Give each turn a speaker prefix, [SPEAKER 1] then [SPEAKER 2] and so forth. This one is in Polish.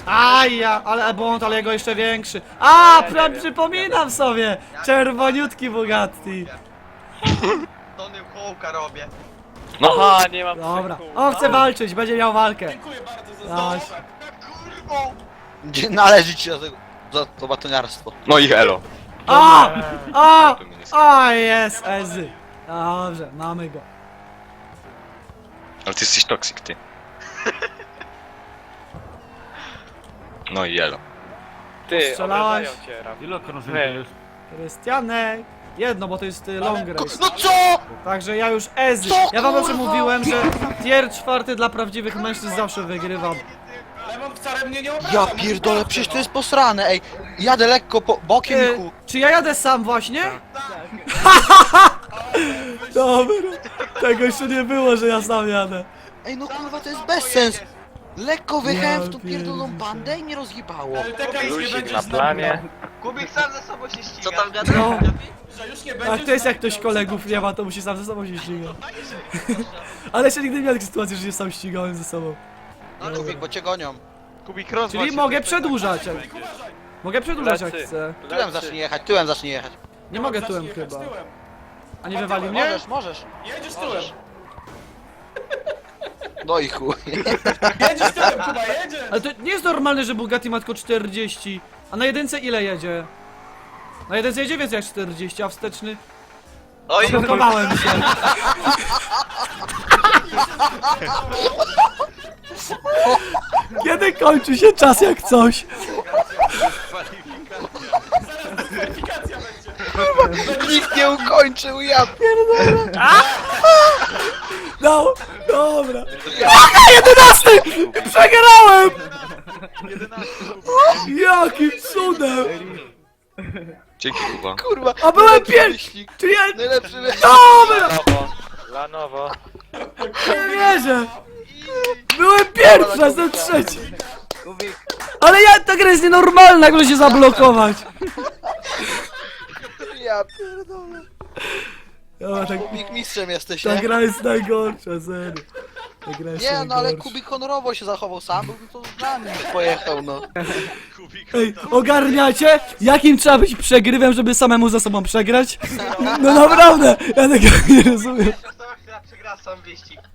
[SPEAKER 1] ale błąd, ale jego jeszcze większy. A, przypominam sobie! Czerwoniutki Bugatti.
[SPEAKER 2] Tony kołka robię.
[SPEAKER 3] Aha, nie mam
[SPEAKER 1] Dobra,
[SPEAKER 3] przekół.
[SPEAKER 1] on chce walczyć, będzie miał walkę.
[SPEAKER 4] Dziękuję bardzo za
[SPEAKER 1] Daś.
[SPEAKER 4] zaułek.
[SPEAKER 2] Kurwo!
[SPEAKER 5] Należy ci za to batoniarstwo.
[SPEAKER 3] No i elo.
[SPEAKER 1] Jest, Ezy. Dobrze, mamy go.
[SPEAKER 3] Ale ty jesteś toksik, ty. No i elo.
[SPEAKER 6] Ty,
[SPEAKER 1] Strzelałaś.
[SPEAKER 6] obrażają cię, Rafał.
[SPEAKER 7] Ile okrążeń to
[SPEAKER 6] Hej.
[SPEAKER 7] jest?
[SPEAKER 1] Krystianek. Jedno, bo to jest long race.
[SPEAKER 5] No co?!
[SPEAKER 1] Także ja już Ezy.
[SPEAKER 5] Co,
[SPEAKER 1] Ja wam o czym
[SPEAKER 5] kurwa?
[SPEAKER 1] mówiłem, że tier 4 dla prawdziwych mężczyzn zawsze wygrywam.
[SPEAKER 4] Lemon wcale mnie nie obraża.
[SPEAKER 5] Ja
[SPEAKER 4] może
[SPEAKER 5] pierdolę,
[SPEAKER 4] bardzo.
[SPEAKER 5] przecież to jest posrane, ej. Jadę lekko bokiem i ku...
[SPEAKER 1] Czy ja jadę sam właśnie? Dobra. Tego jeszcze nie było, że ja sam jadę.
[SPEAKER 5] Ej, no kurwa, to jest bezsens. Lekko wyjechałem w tą
[SPEAKER 1] Ja
[SPEAKER 5] pierdoloną
[SPEAKER 1] pierdzielę.
[SPEAKER 5] bandę i mnie rozjebało.
[SPEAKER 4] LTK już nie
[SPEAKER 6] Lusik
[SPEAKER 4] będziesz
[SPEAKER 6] na
[SPEAKER 4] z nami,
[SPEAKER 6] planie.
[SPEAKER 2] Kubik sam ze sobą się ściga.
[SPEAKER 5] Co tam gada?
[SPEAKER 1] No.
[SPEAKER 4] że już nie
[SPEAKER 1] A
[SPEAKER 4] będziesz
[SPEAKER 1] to jest
[SPEAKER 4] z
[SPEAKER 1] jak
[SPEAKER 4] nami
[SPEAKER 1] ktoś
[SPEAKER 4] cały
[SPEAKER 1] kolegów nie ma, to musi sam ze sobą się ścigać. Ale jeszcze nigdy nie miałem takiej sytuacji, że się sam ścigałem ze sobą.
[SPEAKER 5] No Kubik, bo cię gonią.
[SPEAKER 2] Kubik rozwal
[SPEAKER 1] Czyli
[SPEAKER 2] się.
[SPEAKER 1] mogę przedłużać. Mogę przedłużać jak
[SPEAKER 6] Plecy.
[SPEAKER 1] chcę.
[SPEAKER 5] Tyłem zacznij jechać, tyłem zacznij jechać.
[SPEAKER 1] Nie mogę
[SPEAKER 4] Zacznij
[SPEAKER 1] tyłem
[SPEAKER 4] jechać
[SPEAKER 1] chyba.
[SPEAKER 4] tyłem.
[SPEAKER 1] A nie wywali mnie?
[SPEAKER 5] Możesz.
[SPEAKER 4] Jedziesz tyłem.
[SPEAKER 5] No i chuj.
[SPEAKER 4] Jedziesz tyłem, Kuba, jedziesz.
[SPEAKER 1] Ale to nie jest normalne, że Bugatti ma tylko 40. A na jedynce ile jedzie? Na jedynce jedzie więcej jak 40, a wsteczny...
[SPEAKER 2] Oj,
[SPEAKER 1] Zablokowałem się. Kiedy kończy się czas jak coś?
[SPEAKER 4] Kwalifikacja będzie.
[SPEAKER 5] Nikt nie ukończył, ja
[SPEAKER 1] No, dobra. A, 11! Przegrałem! Jakim cudem!
[SPEAKER 3] Dzięki, Kuba.
[SPEAKER 5] kurwa.
[SPEAKER 1] A byłem
[SPEAKER 5] najlepszy
[SPEAKER 1] pierwszy!
[SPEAKER 5] wyścig,
[SPEAKER 1] Czy ja...
[SPEAKER 5] Najlepszy wyścig.
[SPEAKER 1] Dobra!
[SPEAKER 6] Lanowo. Lanowo.
[SPEAKER 1] Nie wierzę! Byłem pierwszy, a jestem trzeci! Ale ta gra jest nienormalna, jak może się zablokować!
[SPEAKER 5] Ja pierdolę.
[SPEAKER 1] Dobra,
[SPEAKER 5] Kubik mistrzem jesteś,
[SPEAKER 1] ta
[SPEAKER 5] nie?
[SPEAKER 1] gra jest najgorsza, serio. Ta gra jest
[SPEAKER 5] Nie, no ale
[SPEAKER 1] najgorsza.
[SPEAKER 5] Kubik honorowo się zachował sam, był to z nami pojechał, no.
[SPEAKER 1] Ej, ogarniacie? Jakim trzeba być przegrywem, żeby samemu za sobą przegrać? No naprawdę, ja tego nie rozumiem.
[SPEAKER 2] osoba, która przegrała sam wyścig.